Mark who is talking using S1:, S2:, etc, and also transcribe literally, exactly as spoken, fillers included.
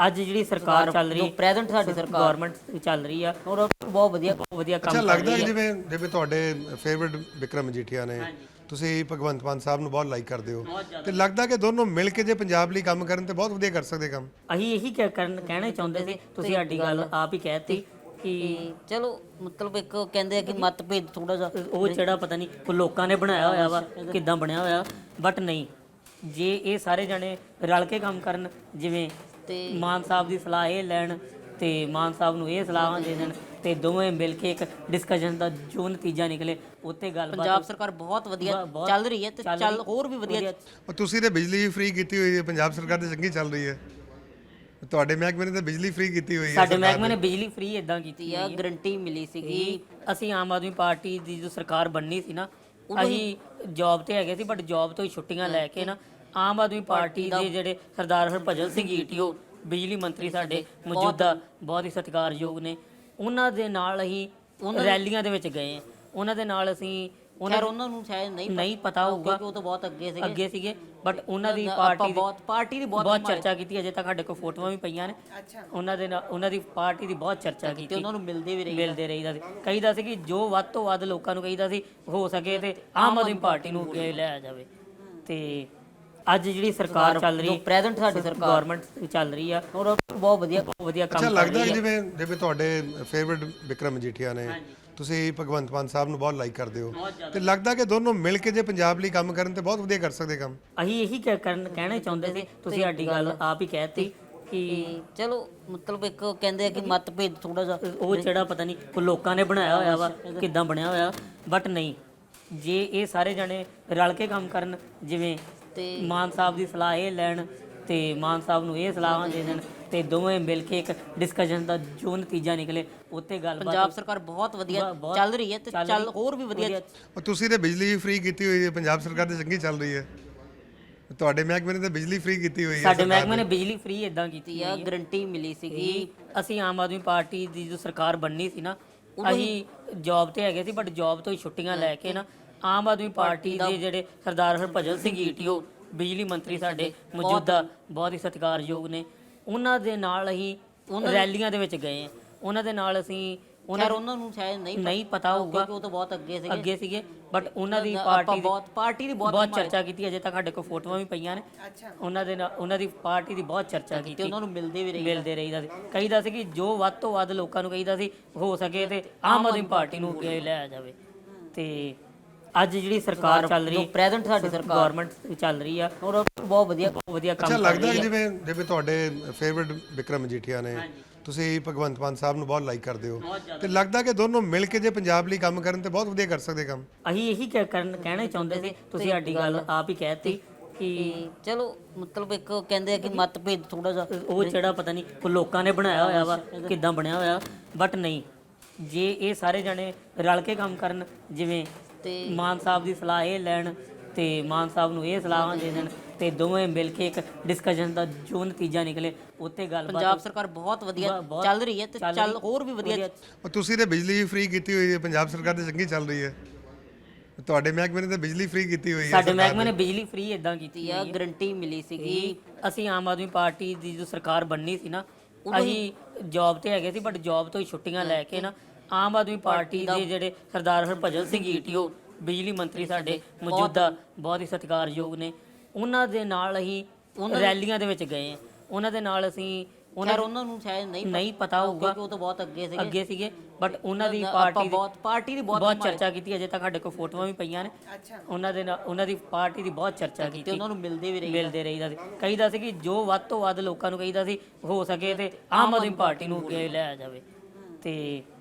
S1: ਅੱਜ ਜਿਹੜੀ ਸਰਕਾਰ ਚੱਲ ਰਹੀ
S2: ਪ੍ਰੈਜ਼ੈਂਟ ਸਾਡੀ ਸਰਕਾਰ
S1: ਗਵਰਨਮੈਂਟ ਚੱਲ ਰਹੀ ਆ
S2: ਔਰ ਬਹੁਤ ਵਧੀਆ
S1: ਬਹੁਤ ਵਧੀਆ ਕੰਮ
S3: ਅੱਛਾ
S1: ਕਰ
S3: ਲੱਗਦਾ
S1: ਰਹੀ
S3: ਕਿ
S1: ਆ।
S3: ਜਿਵੇਂ ਜਿਵੇਂ ਤੁਹਾਡੇ ਫੇਵਰਿਟ ਵਿਕਰਮ ਮਜੀਠੀਆ ਨੇ, ਤੁਸੀਂ ਭਗਵੰਤ ਮਾਨ ਸਾਹਿਬ ਨੂੰ ਬਹੁਤ ਲਾਈਕ ਕਰਦੇ ਹੋ, ਤੇ ਲੱਗਦਾ ਕਿ ਦੋਨੋਂ ਮਿਲ ਕੇ ਜੇ ਪੰਜਾਬ ਲਈ ਕੰਮ ਕਰਨ ਤੇ ਬਹੁਤ ਵਧੀਆ ਕਰ ਸਕਦੇ ਕੰਮ।
S1: ਅਸੀਂ ਇਹੀ ਕਹਿ- ਕਰਨ ਕਹਿਣਾ ਚਾਹੁੰਦੇ ਸੀ, ਤੁਸੀਂ ਸਾਡੀ ਗੱਲ ਆਪ ਹੀ ਕਹਿਤੀ ਕਿ
S2: ਤੇ ਚਲੋ ਮਤਲਬ ਇੱਕ ਕਹਿੰਦੇ ਆ ਕਿ ਮਤਭੇਦ ਥੋੜਾ ਜਿਹਾ
S1: ਉਹ ਜਿਹੜਾ ਪਤਾ ਨਹੀਂ ਕੋਈ ਲੋਕਾਂ ਨੇ ਬਣਾਇਆ ਹੋਇਆ ਵਾ, ਕਿੱਦਾਂ ਬਣਿਆ ਹੋਇਆ, ਬਟ ਨਹੀਂ, ਜੇ ਇਹ ਸਾਰੇ ਜਣੇ ਰਲ ਕੇ ਕੰਮ ਕਰਨ, ਜਿਵੇਂ
S2: ਤੇ
S1: ਮਾਨ ਸਾਹਿਬ ਦੀ ਸਲਾਹ ਇਹ ਲੈਣ ਤੇ ਮਾਨ ਸਾਹਿਬ ਨੂੰ ਇਹ ਸਲਾਹਾਂ ਦੇ ਦੇਣ ਤੇ ਦੋਵੇਂ ਮਿਲ ਕੇ ਇੱਕ ਡਿਸਕਸ਼ਨ ਦਾ ਜੋ ਨਤੀਜਾ ਨਿਕਲੇ ਉੱਤੇ ਗੱਲਬਾਤ।
S2: ਪੰਜਾਬ ਸਰਕਾਰ ਬਹੁਤ ਵਧੀਆ ਚੱਲ ਰਹੀ ਹੈ ਤੇ ਚੱਲ ਹੋਰ ਵੀ ਵਧੀਆ।
S3: ਉਹ ਤੁਸੀਂ ਤੇ ਬਿਜਲੀ ਵੀ ਫ੍ਰੀ ਕੀਤੀ ਹੋਈ ਹੈ, ਪੰਜਾਬ ਸਰਕਾਰ ਤੇ ਚੰਗੀ ਚੱਲ ਰਹੀ ਹੈ। ਤੁਹਾਡੇ ਮਹਿਕਮੇ ਨੇ ਤਾਂ ਬਿਜਲੀ ਫ੍ਰੀ ਕੀਤੀ ਹੋਈ ਹੈ।
S1: ਸਾਡੇ ਮਹਿਕਮੇ ਨੇ ਬਿਜਲੀ ਫ੍ਰੀ ਇਦਾਂ ਕੀਤੀ
S2: ਆ, ਗਰੰਟੀ ਮਿਲੀ ਸੀਗੀ।
S1: ਅਸੀਂ ਆਮ ਆਦਮੀ ਪਾਰਟੀ ਦੀ ਜੋ ਸਰਕਾਰ ਬਣਨੀ ਸੀ ਨਾ, ਅਸੀਂ ਜੌਬ ਤੇ ਹੈਗੇ ਸੀ, ਬਟ ਜੌਬ ਤੋਂ ਹੀ ਛੁੱਟੀਆਂ ਲੈ ਕੇ ਨਾ ਆਮ ਆਦਮੀ ਪਾਰਟੀ ਦੇ ਜਿਹੜੇ ਸਰਦਾਰ ਹਰਭਜਨ ਸਿੰਘ ਈਟੀਓ ਬਿਜਲੀ ਮੰਤਰੀ ਸਾਡੇ ਮੌਜੂਦਾ ਬਹੁਤ ਹੀ ਸਤਿਕਾਰਯੋਗ ਨੇ, ਉਹਨਾਂ ਦੇ ਨਾਲ ਅਸੀਂ ਰੈਲੀਆਂ ਦੇ ਵਿੱਚ ਗਏ। ਉਹਨਾਂ ਦੇ ਨਾਲ ਅਸੀਂ
S2: ਉਹਨਾਂ ਉਹਨਾਂ ਨੂੰ ਸ਼ਾਇਦ ਨਹੀਂ
S1: ਨਹੀਂ ਪਤਾ ਹੋਊਗਾ
S2: ਕਿ ਉਹ ਤਾਂ ਬਹੁਤ ਅੱਗੇ ਸੀਗੇ
S1: ਅੱਗੇ ਸੀਗੇ ਬਟ ਉਹਨਾਂ ਦੀ ਪਾਰਟੀ ਦੀ
S2: ਬਹੁਤ ਪਾਰਟੀ ਦੀ ਬਹੁਤ
S1: ਬਹੁਤ ਚਰਚਾ ਕੀਤੀ। ਅਜੇ ਤੱਕ ਸਾਡੇ ਕੋਲ ਫੋਟੋਆਂ ਵੀ ਪਈਆਂ ਨੇ। ਉਹਨਾਂ ਦੇ ਨਾਲ ਉਹਨਾਂ ਦੀ ਪਾਰਟੀ ਦੀ ਬਹੁਤ ਚਰਚਾ
S2: ਤੇ
S1: ਕੀਤੀ,
S2: ਉਹਨਾਂ ਨੂੰ ਮਿਲਦੇ ਵੀ ਰਹੀ
S1: ਮਿਲਦੇ ਰਹੀਦਾ ਸੀ। ਕਹੀਦਾ ਸੀ ਕਿ ਜੋ ਵੱਧ ਤੋਂ ਵੱਧ ਲੋਕਾਂ ਨੂੰ ਕਹੀਦਾ ਸੀ ਹੋ ਸਕੇ ਤੇ ਆਮ ਆਦਮੀ ਪਾਰਟੀ ਨੂੰ ਅੱਗੇ ਲਿਆਇਆ ਜਾਵੇ। ਤੇ ਅੱਜ ਜਿਹੜੀ ਸਰਕਾਰ ਚੱਲ ਰਹੀ
S2: ਪ੍ਰੈਜ਼ੈਂਟ ਸਾਡੀ ਸਰਕਾਰ
S1: ਗਵਰਨਮੈਂਟ ਚੱਲ ਰਹੀ ਆ
S2: ਔਰ ਬਹੁਤ ਵਧੀਆ
S1: ਬਹੁਤ ਵਧੀਆ ਕੰਮ
S3: ਅੱਛਾ
S1: ਕਰ
S3: ਲੱਗਦਾ
S1: ਰਹੀ
S3: ਕਿ
S1: ਆ।
S3: ਜਿਵੇਂ ਜਿਵੇਂ ਤੁਹਾਡੇ ਫੇਵਰਿਟ ਵਿਕਰਮ ਮਜੀਠੀਆ ਨੇ, ਤੁਸੀਂ ਭਗਵੰਤ ਮਾਨ ਸਾਹਿਬ ਨੂੰ ਬਹੁਤ ਲਾਈਕ ਕਰਦੇ ਹੋ, ਤੇ ਲੱਗਦਾ ਕਿ ਦੋਨੋਂ ਮਿਲ ਕੇ ਜੇ ਪੰਜਾਬ ਲਈ ਕੰਮ ਕਰਨ ਤੇ ਬਹੁਤ ਵਧੀਆ ਕਰ ਸਕਦੇ ਕੰਮ।
S1: ਅਸੀਂ ਇਹੀ ਕਹਿ- ਕਰਨ ਕਹਿਣਾ ਚਾਹੁੰਦੇ ਸੀ, ਤੁਸੀਂ ਸਾਡੀ ਗੱਲ ਆਪ ਹੀ ਕਹਿਤੀ ਕਿ
S2: ਤੇ ਚਲੋ ਮਤਲਬ ਇੱਕ ਕਹਿੰਦੇ ਆ ਕਿ ਮਤਭੇਦ ਥੋੜਾ ਜਿਹਾ
S1: ਉਹ ਜਿਹੜਾ ਪਤਾ ਨਹੀਂ ਕੋਈ ਲੋਕਾਂ ਨੇ ਬਣਾਇਆ ਹੋਇਆ ਵਾ, ਕਿੱਦਾਂ ਬਣਿਆ ਹੋਇਆ, ਬਟ ਨਹੀਂ, ਜੇ ਇਹ ਸਾਰੇ ਜਣੇ ਰਲ ਕੇ ਕੰਮ ਕਰਨ, ਜਿਵੇਂ
S2: ਤੇ
S1: ਮਾਨ ਸਾਹਿਬ ਦੀ ਸਲਾਹ ਇਹ ਲੈਣ ਤੇ ਮਾਨ ਸਾਹਿਬ ਨੂੰ ਇਹ ਸਲਾਹਾਂ ਦੇ ਦੇਣ ਤੇ ਦੋਵੇਂ ਮਿਲ ਕੇ ਇੱਕ ਡਿਸਕਸ਼ਨ ਦਾ ਜੋ ਨਤੀਜਾ ਨਿਕਲੇ ਉੱਤੇ ਗੱਲਬਾਤ।
S2: ਪੰਜਾਬ ਸਰਕਾਰ ਬਹੁਤ ਵਧੀਆ ਚੱਲ ਰਹੀ ਹੈ ਤੇ ਚੱਲ ਹੋਰ ਵੀ ਵਧੀਆ।
S3: ਉਹ ਤੁਸੀਂ ਤੇ ਬਿਜਲੀ ਵੀ ਫ੍ਰੀ ਕੀਤੀ ਹੋਈ ਹੈ, ਪੰਜਾਬ ਸਰਕਾਰ ਤੇ ਚੰਗੀ ਚੱਲ ਰਹੀ ਹੈ। ਤੁਹਾਡੇ ਮਹਿਕਮੇ ਨੇ ਤਾਂ ਬਿਜਲੀ ਫ੍ਰੀ ਕੀਤੀ ਹੋਈ ਹੈ।
S1: ਸਾਡੇ ਮਹਿਕਮੇ ਨੇ ਬਿਜਲੀ ਫ੍ਰੀ ਇਦਾਂ ਕੀਤੀ
S2: ਆ, ਗਰੰਟੀ ਮਿਲੀ ਸੀਗੀ।
S1: ਅਸੀਂ ਆਮ ਆਦਮੀ ਪਾਰਟੀ ਦੀ ਜੋ ਸਰਕਾਰ ਬਣਨੀ ਸੀ ਨਾ, ਅਸੀਂ ਜੌਬ ਤੇ ਹੈਗੇ ਸੀ, ਬਟ ਜੌਬ ਤੋਂ ਹੀ ਛੁੱਟੀਆਂ ਲੈ ਕੇ ਨਾ ਆਮ ਆਦਮੀ ਪਾਰਟੀ ਦੇ ਜਿਹੜੇ ਸਰਦਾਰ ਹਰਭਜਨ ਸਿੰਘ ਈਟੀਓ ਬਿਜਲੀ ਮੰਤਰੀ ਸਾਡੇ ਮੌਜੂਦਾ ਬਹੁਤ ਹੀ ਸਤਿਕਾਰਯੋਗ ਨੇ, ਉਹਨਾਂ ਦੇ ਨਾਲ ਅਸੀਂ ਰੈਲੀਆਂ ਦੇ ਵਿੱਚ ਗਏ। ਉਹਨਾਂ ਦੇ ਨਾਲ ਅਸੀਂ
S2: ਉਹਨਾਂ ਉਹਨਾਂ ਨੂੰ ਸ਼ਾਇਦ ਨਹੀਂ
S1: ਨਹੀਂ ਪਤਾ ਹੋਊਗਾ
S2: ਕਿ ਉਹ ਤਾਂ ਬਹੁਤ ਅੱਗੇ ਸੀਗੇ
S1: ਅੱਗੇ ਸੀਗੇ ਬਟ ਉਹਨਾਂ ਦੀ ਪਾਰਟੀ
S2: ਬਹੁਤ ਪਾਰਟੀ ਦੀ ਬਹੁਤ
S1: ਬਹੁਤ ਚਰਚਾ ਕੀਤੀ। ਅਜੇ ਤੱਕ ਸਾਡੇ ਕੋਲ ਫੋਟੋਆਂ ਵੀ ਪਈਆਂ ਨੇ। ਉਹਨਾਂ ਦੇ ਨਾਲ ਉਹਨਾਂ ਦੀ ਪਾਰਟੀ ਦੀ ਬਹੁਤ ਚਰਚਾ
S2: ਤੇ
S1: ਕੀਤੀ,
S2: ਉਹਨਾਂ ਨੂੰ ਮਿਲਦੇ ਵੀ ਰਹੀ
S1: ਮਿਲਦੇ ਰਹੀਦਾ ਸੀ। ਕਹੀਦਾ ਸੀ ਕਿ ਜੋ ਵੱਧ ਤੋਂ ਵੱਧ ਲੋਕਾਂ ਨੂੰ ਕਹੀਦਾ ਸੀ ਹੋ ਸਕੇ ਤੇ ਆਮ ਆਦਮੀ ਪਾਰਟੀ ਨੂੰ ਅੱਗੇ ਲਿਆਇਆ ਜਾਵੇ। ਤੇ ਅੱਜ ਜਿਹੜੀ ਸਰਕਾਰ ਚੱਲ ਰਹੀ
S2: ਪ੍ਰੈਜ਼ੈਂਟ ਸਾਡੀ ਸਰਕਾਰ
S1: ਗਵਰਨਮੈਂਟ ਚੱਲ ਰਹੀ ਆ
S2: ਔਰ ਬਹੁਤ ਵਧੀਆ
S1: ਬਹੁਤ ਵਧੀਆ ਕੰਮ
S3: ਅੱਛਾ
S1: ਕਰ
S3: ਲੱਗਦਾ
S1: ਰਹੀ
S3: ਕਿ
S1: ਆ।
S3: ਜਿਵੇਂ ਜਿਵੇਂ ਤੁਹਾਡੇ ਫੇਵਰਿਟ ਵਿਕਰਮ ਮਜੀਠੀਆ ਨੇ, ਤੁਸੀਂ ਭਗਵੰਤ ਮਾਨ ਸਾਹਿਬ ਨੂੰ ਬਹੁਤ ਲਾਈਕ ਕਰਦੇ ਹੋ, ਤੇ ਲੱਗਦਾ ਕਿ ਦੋਨੋਂ ਮਿਲ ਕੇ ਜੇ ਪੰਜਾਬ ਲਈ ਕੰਮ ਕਰਨ ਤੇ ਬਹੁਤ ਵਧੀਆ ਕਰ ਸਕਦੇ ਕੰਮ।
S1: ਅਸੀਂ ਇਹੀ ਕਹਿ- ਕਰਨ ਕਹਿਣਾ ਚਾਹੁੰਦੇ ਸੀ, ਤੁਸੀਂ ਸਾਡੀ ਗੱਲ ਆਪ ਹੀ ਕਹਿਤੀ ਕਿ
S2: ਤੇ ਚਲੋ ਮਤਲਬ ਇੱਕ ਕਹਿੰਦੇ ਆ ਕਿ ਮਤਭੇਦ ਥੋੜਾ ਜਿਹਾ
S1: ਉਹ ਜਿਹੜਾ ਪਤਾ ਨਹੀਂ ਕੋਈ ਲੋਕਾਂ ਨੇ ਬਣਾਇਆ ਹੋਇਆ ਵਾ, ਕਿੱਦਾਂ ਬਣਿਆ ਹੋਇਆ, ਬਟ ਨਹੀਂ, ਜੇ ਇਹ ਸਾਰੇ ਜਣੇ ਰਲ ਕੇ ਕੰਮ ਕਰਨ, ਜਿਵੇਂ
S2: ਤੇ
S1: ਮਾਨ ਸਾਹਿਬ ਦੀ ਸਲਾਹ ਇਹ ਲੈਣ ਤੇ ਮਾਨ ਸਾਹਿਬ ਨੂੰ ਇਹ ਸਲਾਹਾਂ ਦੇ ਦੇਣ ਤੇ ਦੋਵੇਂ ਮਿਲ ਕੇ ਇੱਕ ਡਿਸਕਸ਼ਨ ਦਾ ਜੋ ਨਤੀਜਾ ਨਿਕਲੇ ਉੱਤੇ ਗੱਲਬਾਤ।
S2: ਪੰਜਾਬ ਸਰਕਾਰ ਬਹੁਤ ਵਧੀਆ ਚੱਲ ਰਹੀ ਹੈ ਤੇ ਚੱਲ ਹੋਰ ਵੀ ਵਧੀਆ।
S3: ਉਹ ਤੁਸੀਂ ਤੇ ਬਿਜਲੀ ਵੀ ਫ੍ਰੀ ਕੀਤੀ ਹੋਈ ਹੈ, ਪੰਜਾਬ ਸਰਕਾਰ ਤੇ ਚੰਗੀ ਚੱਲ ਰਹੀ ਹੈ। ਤੁਹਾਡੇ ਮਹਿਕਮੇ ਨੇ ਤਾਂ ਬਿਜਲੀ ਫ੍ਰੀ ਕੀਤੀ ਹੋਈ ਹੈ।
S1: ਸਾਡੇ ਮਹਿਕਮੇ ਨੇ ਬਿਜਲੀ ਫ੍ਰੀ ਇਦਾਂ ਕੀਤੀ
S2: ਆ, ਗਰੰਟੀ ਮਿਲੀ ਸੀਗੀ।
S1: ਅਸੀਂ ਆਮ ਆਦਮੀ ਪਾਰਟੀ ਦੀ ਜੋ ਸਰਕਾਰ ਬਣਨੀ ਸੀ ਨਾ, ਅਸੀਂ ਜੌਬ ਤੇ ਹੈਗੇ ਸੀ, ਬਟ ਜੌਬ ਤੋਂ ਹੀ ਛੁੱਟੀਆਂ ਲੈ ਕੇ ਨਾ ਆਮ ਆਦਮੀ ਪਾਰਟੀ ਦੇ ਜਿਹੜੇ ਸਰਦਾਰ ਹਰਭਜਨ ਸਿੰਘ ਈਟੀਓ ਬਿਜਲੀ ਮੰਤਰੀ ਸਾਡੇ ਮੌਜੂਦਾ ਬਹੁਤ ਹੀ ਸਤਿਕਾਰਯੋਗ ਨੇ, ਉਹਨਾਂ ਦੇ ਨਾਲ ਅਸੀਂ ਰੈਲੀਆਂ ਦੇ ਵਿੱਚ ਗਏ। ਉਹਨਾਂ ਦੇ ਨਾਲ ਅਸੀਂ
S2: ਉਹਨਾਂ ਉਹਨਾਂ ਨੂੰ ਸ਼ਾਇਦ ਨਹੀਂ
S1: ਨਹੀਂ ਪਤਾ ਹੋਊਗਾ
S2: ਕਿ ਉਹ ਤਾਂ ਬਹੁਤ ਅੱਗੇ ਸੀਗੇ
S1: ਅੱਗੇ ਸੀਗੇ ਬਟ ਉਹਨਾਂ ਦੀ ਪਾਰਟੀ
S2: ਬਹੁਤ ਪਾਰਟੀ ਦੀ
S1: ਬਹੁਤ ਚਰਚਾ ਕੀਤੀ। ਅਜੇ ਤੱਕ ਸਾਡੇ ਕੋਲ ਫੋਟੋਆਂ ਵੀ ਪਈਆਂ ਨੇ। ਉਹਨਾਂ ਦੇ ਨਾਲ ਉਹਨਾਂ ਦੀ ਪਾਰਟੀ ਦੀ ਬਹੁਤ ਚਰਚਾ ਕੀਤੀ,
S2: ਤੇ ਉਹਨਾਂ ਨੂੰ ਮਿਲਦੇ ਵੀ ਰਹੀ
S1: ਮਿਲਦੇ ਰਹੀਦਾ ਸੀ। ਕਹੀਦਾ ਸੀ ਕਿ ਜੋ ਵੱਧ ਤੋਂ ਵੱਧ ਲੋਕਾਂ ਨੂੰ ਕਹੀਦਾ ਸੀ ਹੋ ਸਕੇ ਤੇ ਆਮ ਆਦਮੀ ਪਾਰਟੀ ਨੂੰ ਅੱਗੇ ਲਿਆਇਆ ਜਾਵੇ। ਤੇ